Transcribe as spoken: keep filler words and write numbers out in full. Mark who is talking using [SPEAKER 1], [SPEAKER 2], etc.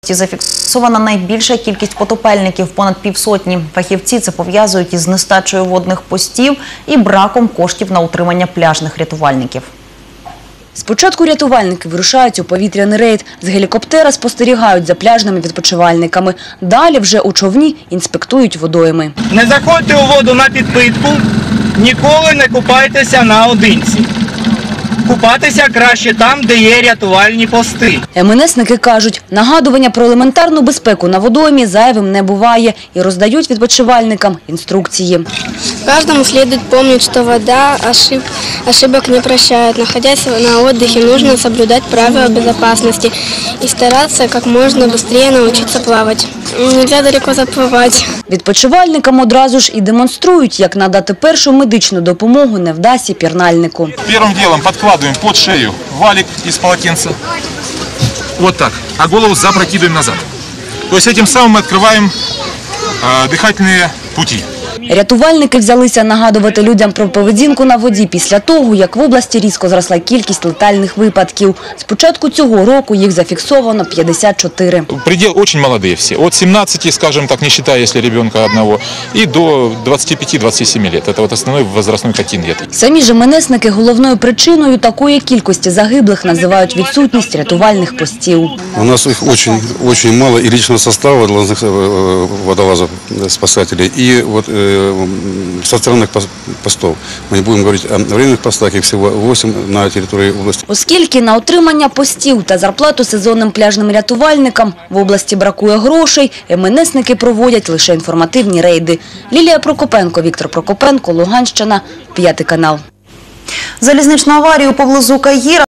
[SPEAKER 1] області зафіксована найбільша кількість потопельників – понад півсотні. Фахівці це пов'язують із нестачею водних постів і браком коштів на утримання пляжних рятувальників.
[SPEAKER 2] Спочатку рятувальники вирушають у повітряний рейд. З гелікоптера спостерігають за пляжними відпочивальниками. Далі вже у човні інспектують водойми.
[SPEAKER 3] Не заходьте у воду на підпитку, ніколи не купайтеся наодинці. Купатися краще там, де є рятувальні пости.
[SPEAKER 2] ем ен есники кажуть, нагадування про елементарну безпеку на водоймі зайвим не буває і роздають відпочивальникам інструкції.
[SPEAKER 4] Каждому следует помнить, что вода ошиб... ошибок не прощает. Находясь на отдыхе, нужно соблюдать правила безопасности и стараться как можно быстрее научиться плавать. Нельзя далеко заплывать.
[SPEAKER 2] Відпочивальникам одразу ж і демонструють, як надати першу медичну допомогу невдасі пірнальнику.
[SPEAKER 5] Первым делом подкладываем под шею валик из полотенца. Вот так. А голову запрокидываем назад. То есть этим самым мы открываем э, дыхательные пути.
[SPEAKER 2] Рятувальники взялися нагадувати людям про поведінку на воді після того, як в області різко зросла кількість летальних випадків. З початку цього року їх зафіксовано п'ятдесят чотири.
[SPEAKER 5] Предел очень молодые все. От семнадцати, скажем так, не считая, если ребенка одного, и до двадцати пяти — двадцати семи лет. Это вот основной возрастной контингент.
[SPEAKER 2] Самі ж ем ен есники головною причиною такої кількості загиблих називають відсутність рятувальних постів.
[SPEAKER 6] У нас их очень, очень мало и личного состава водолазов, спасателей, и вот со стороны постов. Мы не будем говорить о временных постах, их всего восемь на территории области.
[SPEAKER 2] Оскільки на отримання постів та зарплату сезонним пляжним рятувальникам в області бракує грошей, ем ен есники проводять лише інформативні рейди. Лілія Прокопенко, Віктор Прокопенко, Луганщина, п'ятий канал.
[SPEAKER 1] Залізничну аварію поблизу Каїра